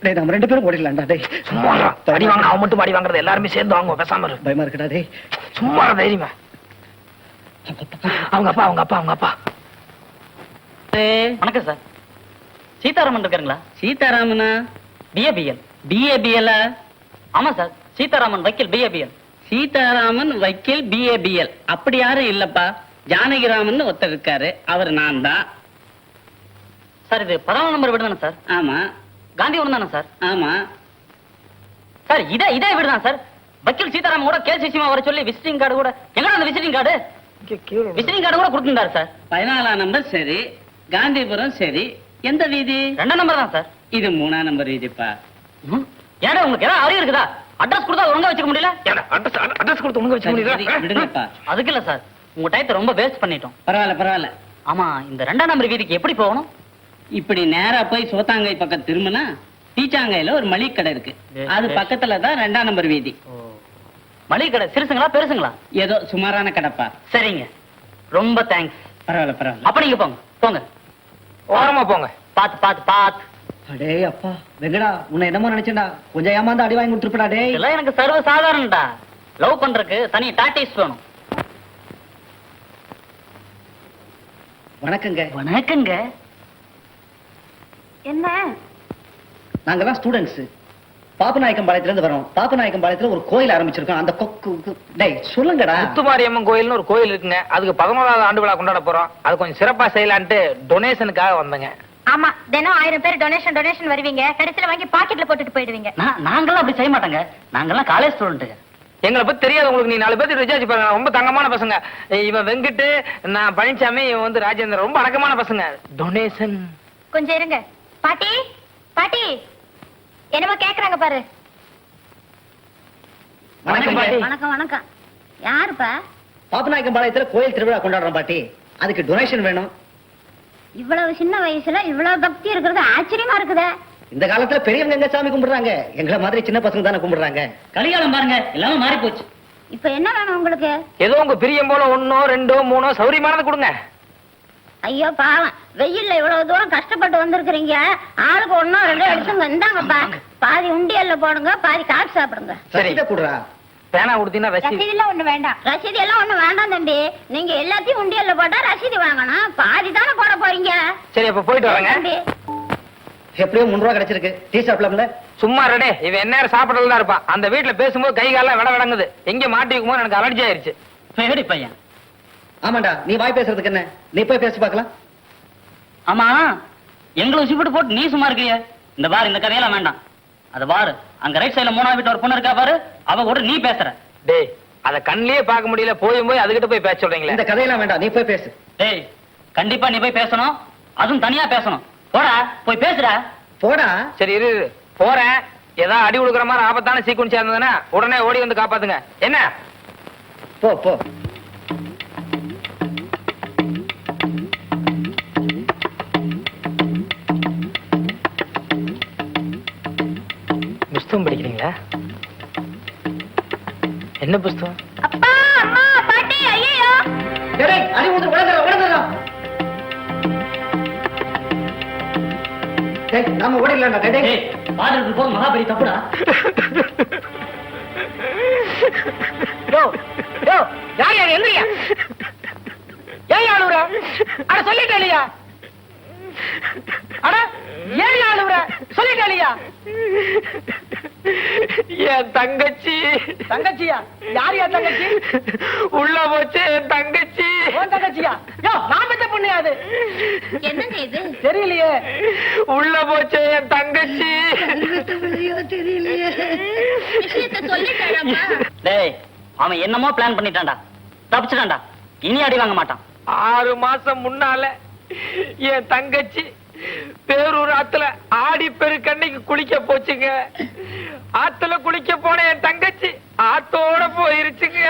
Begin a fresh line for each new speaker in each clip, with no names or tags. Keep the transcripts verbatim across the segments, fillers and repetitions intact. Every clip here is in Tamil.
டேய் நம்ம ரெண்டு பேரும் ஓடிடலாம்டா டேய்.
சும்மா இருடா. அடி வாங்க அவன் மட்டும் அடி வாங்குறது எல்லாருமே சேர்ந்து வாங்குவோம் பேசாம இரு.
பயமா இருக்குடா டேய்.
சும்மா இரு, தைரியமா. அவங்க அப்பா அவங்க அப்பா அவங்க அப்பா
வணக்கம் சார். சீதாராமன் இருக்காருங்களா?
சீதாராமனா?
பிஏபிஎல்.
பிஏபிஎல்?
ஆமா சார், சீதாராமன் வக்கீல் பிஏபிஎல்.
சீதாராமன் வக்கீல் பிஏபிஎல் அப்படி யாரும் இல்லப்பா. ஜானகிராமன் ஒருத்தர் இருக்காரு, அவர் நான் தான்.
சார் இது பதினாலாம் நம்பர் வீடு தானே சார்?
ஆமா
காந்திபுரம் தானே சார்?
ஆமா.
சார் இதே இதே வீடு தான் சார். வக்கீல் சீதாராமன் கூட கேஸ் விஷயமா வர சொல்லி விசிட்டிங் கார்டு கூட எங்கடா அந்த விசிட்டிங் கார்டு? விசிட்டிங் கார்டு கூட கொடுத்துருந்தாரு சார்.
பதினாலாம் நம்பர் சரி, காந்திபுரம் சரி. எந்த வீதி?
ரெண்டாம் நம்பர் தான் சார்.
இது மூணாம் நம்பர் வீதிப்பா.
ஏடா உங்களுக்கு ஏதாவது அறிவு இருக்குதா? அட்ரஸ் கொடுத்தா ஒழுங்கா வச்சுக்க முடியல?
அட்ரஸ் கொடுத்து உங்க வச்சு
சரி,
முடியுதா?
விடுங்கப்பா.
அதுக்கு இல்ல சார், உங்க டயத்தை ரொம்ப வேஸ்ட் பண்ணிட்டோம்.
பரவாயில்ல பரவாயில்ல.
ஆமா, இந்த ரெண்டாம் நம்பர் வீதிக்கு எப்படி போகணும்?
இப்படி நேரா போய் சோத்தாங்கை பக்கம் திரும்பினா டீச்சாங்கையில ஒரு மளிகை கடை இருக்கு. அது பக்கத்துல தான் ரெண்டாம் நம்பர் வீதி.
மளிகை கடை சிறுசுங்களா பெருசுங்களா?
ஏதோ சுமாரான கடைப்பா.
சரிங்க, ரொம்ப தேங்க்ஸ்.
பரவாயில்ல பரவாயில்ல.
அப்ப நீங்க போங்க போங்க.
ஓரமா போங்க.
பாத்து பாத்து பாத்து.
அடே அப்பா வெங்கடா, உன்னை என்னமோ நினைச்சேன்டா. கொஞ்சம் ஏமாந்து அடி வாங்கி கொடுத்துருப்படா டேய்.
இதெல்லாம் எனக்கு சர்வ சாதாரணடா. லவ் பண்றதுக்கு தனி டாக்டிக்ஸ் வேணும்.
வணக்கங்க.
வணக்கங்க.
என்ன
நாங்கெல்லாம் ஸ்டூடெண்ட்ஸ். பாப்பநாயக்கம் பாளையத்துல இருந்து வரோம். பாப்பநாயக்கம் பாளையத்துல ஒரு கோயில் ஆரம்பிச்சிருக்கோம். அந்த கொக்கு டேய் சொல்லுங்கடா.
முத்துமாரியம்மன் கோயில்னு ஒரு கோயில் இருக்குங்க. அதுக்கு பதினோராவது ஆண்டு விழா கொண்டாட போறோம். அது கொஞ்சம் சிறப்பா செய்யலான்ட்டு டொனேஷனுக்காக வந்தேங்க.
ஆமா, தினம் ஆயிரம் பேர் டொனேஷன் டொனேஷன் வருவீங்க, கடைசியில வாங்கி பாக்கெட்ல போட்டுட்டு போயிடுவீங்க.
நான் நாங்கெல்லாம் அப்படி செய்ய மாட்டோங்க. நாங்கெல்லாம் காலேஜ் ஸ்டூடெண்ட்டுங்க.
எங்களை பத்தி தெரியாது உங்களுக்கு. நீ நாலு பேருக்கு ரிசார்ஜ் பாருங்க. ரொம்ப தங்கமான பசங்க. இவன் வெங்கிட்டு, நான் பழனிசாமி, இவன் வந்து ராஜேந்திரன். ரொம்ப அடக்கமான பசங்க. டொனேஷன்
கொஞ்சம் இருங்க. பாட்டி பாட்டி என்னமோ கேக்குறாங்க பாரு.
வணக்கம் பாட்டி.
வணக்கம் வணக்கம். யாருப்பா?
பாப்பநாயக்கம் பாளையத்துல கோயில் திருவிழா கொண்டாடுறோம் பாட்டி. அதுக்கு டொனேஷன் வேணும்.
இவ்வளவு சின்ன வயசுல இவ்வளவு பக்தி இருக்கிறது ஆச்சரியமா இருக்குதே.
இந்த காலத்துல பெரியவங்க எங்க சாமி கும்பிடுறாங்க? எங்களை மாதிரி சின்ன பசங்க தானே கும்பிடுறாங்க.
கலிகாலம் பாருங்க, எல்லாமே மாறி போச்சு.
இப்ப என்ன வேணும் உங்களுக்கு?
ஏதோ உங்க பிரியம் போல ஒன்னோ ரெண்டோ மூணோ சௌரியமானது கொடுங்க.
ஐயோ பாவம், வெயில்ல இவ்வளவு தூரம் கஷ்டப்பட்டு வந்திருக்கிறீங்க. ஆளுக்கு ஒன்னோ ரெண்டோ எடுத்துங்க. இந்தாங்கப்பா, பாதி உண்டியல்ல போடுங்க, பாதி காசு சாப்பிடுங்க.
சரி.
சரி குடுறா.
பேனா கொடுத்தீங்கன்னா ரசீது.
ரசீது எல்லாம் ஒண்ணு வேண்டாம். ரசீது எல்லாம் ஒண்ணு வேண்டாம் தம்பி. நீங்க எல்லாத்தையும் உண்டியல்ல போட்டா ரசீது வாங்கணும். பாதி தானே போட போறீங்க.
சரி, அப்ப போயிட்டு வரேங்க.
தம்பி,
எப்படியோ மூணு ரூபா கிடைச்சிருக்கு. டீ சாப்பிடலாம்ல?
சும்மா ரெடே, இவன் என்ன சாப்பிடறதா இருப்பான். அந்த வீட்டுல பேசும்போது கை காலம் விட விடங்குது. எங்க மாட்டி வைக்கும்போது எனக்கு அலர்ஜி ஆயிருச்சு.
பேடி பையன்.
ஆமாண்டா, நீ வாய் பேசுறதுக்கு என்ன? நீ போய் பேசி பார்க்கலாம்.
ஆமா, எங்களை உசிப்பிட்டு போட்டு நீ சும்மா இருக்கிய. இந்த பாரு, இந்த கதையெல்லாம் வேண்டாம். அது பாரு, அங்க ரைட் சைடுல மூணாவது வீட்டு ஒரு பொண்ணு இருக்கா பாரு, அவ கூட நீ பேசுற.
டேய், அத கண்ணிலேயே பார்க்க முடியல, போயும் போய் அதுகிட்ட போய் பேச சொல்றீங்களே.
இந்த கதையெல்லாம் வேண்டாம், நீ போய் பேசு.
டேய், கண்டிப்பா நீ போய் பேசணும். அதுவும் தனியா பேசணும். போடா, போய் பேசுடா.
போடா.
சரி இரு இரு. போறேன். ஏதாவது அடி உழுக்கிற மாதிரி ஆபத்தான சீக்குவன்ஸ் இருந்ததுன்னா உடனே ஓடி வந்து காப்பாத்துங்க. என்ன?
போ போ.
புஸ்தகம் படிக்கிறீங்களா? என்ன புஸ்தகம்?
அப்பா அம்மா பாட்டி. ஐயோ
டேய், அடி ஊத்து. உடனே உடனே. டேய், நாம ஓடிடலாம்டா. டேய் டேய்.
டேய், பாடுறது போது மகாபலி தப்புடா.
யோ யோ, யார் யார் எந்திரியா? ஏன் ஆளுற? அட சொல்லிட்டே இல்லையா? அட ஏன் ஆளுற? சொல்லிட்டே இல்லையா? என் தங்கச்சி. தங்கச்சியா? யார் யா தங்கச்சி? உள்ள போச்சு என் தங்கச்சி. உன் தங்கச்சியா? யோ, நான் பெத்த பொண்ணு அது.
என்னங்க இது?
தெரியலையே. உள்ள போச்சு என் தங்கச்சி.
விஷயத்தை சொல்லிட்டாராப்பா?
டேய், அவன் என்னமோ பிளான் பண்ணிட்டான்டா. தப்பிச்சிட்டான்டா. இனி அடி வாங்க மாட்டான்.
ஆறு மாசம் முன்னால என் தங்கச்சி பேரூர் ஆத்துல ஆடி பெருக்கண்ணைக்கு குளிக்க போச்சுங்க. ஆத்துல குளிக்க போன என் தங்கச்சி ஆத்தோட போயிருச்சுங்க.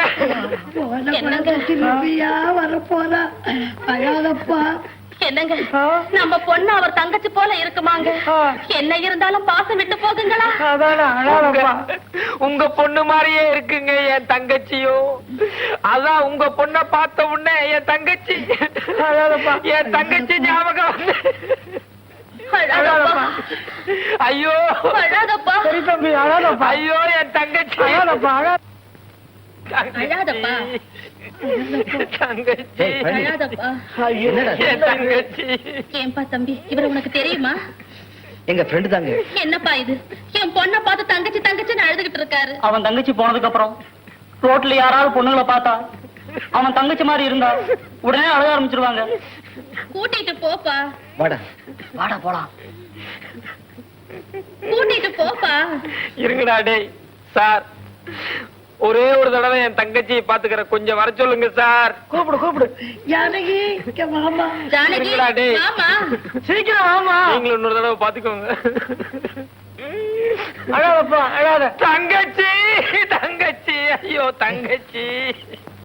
வரப்போறா அழாதப்பா.
என்னங்க, நம்ம பொண்ணு அவர் தங்கச்சி போல இருக்குமாங்க? என்ன இருந்தாலும் பாசம் விட்டு போகுங்களா?
உங்க- உங்க பொண்ணு மாதிரியே இருக்குங்க என் தங்கச்சியும். அதான் உங்க பொண்ண பார்த்த உடனே என் தங்கச்சி என் தங்கச்சி ஞாபகம் வந்து
அழாதப்பா.
ஐயோ
அழாதப்பா.
சரி தம்பி அழாதப்பா.
ஐயோ என் தங்கச்சி
அழாதப்பா அழா
அழாதப்பா.
தங்கச்சி
அழாதப்பா.
என்னடா இது?
என் தங்கச்சி
ஏன்பா தம்பி இவரை உனக்கு தெரியுமா?
எங்க ஃப்ரெண்டு தாங்க.
என்னப்பா இது? என் பொண்ணை பார்த்து தங்கச்சி தங்கச்சின்னு அழுதுகிட்டு இருக்காரு.
அவன் தங்கச்சி போனதுக்கு அப்புறம் ரோட்ல யாராவது பொண்ணுங்களை பார்த்தா அவன் தங்கச்சி மாதிரி இருந்தா உடனே அழுக ஆரம்பிச்சிருவாங்க.
கூட்டிட்டு போப்பா.
வாடா.
வாடா போலாம்.
கூட்டிட்டு போப்பா.
இருங்கடா டேய் சார், ஒரே ஒரு தடவை என் தங்கச்சியை பாத்துக்கிற கொஞ்சம் வர சொல்லுங்க சார்.
கூப்பிடு கூப்பிடு. ஜானகி இங்க வாமா.
ஜானகி
இருங்கடா டேய்.
மாமா.
சீக்கிரம் வாமா.
நீங்களும் இன்னொரு தடவை பாத்துக்கோங்க.
அழாதப்பா அழாத.
தங்கச்சி தங்கச்சி ஐயோ தங்கச்சி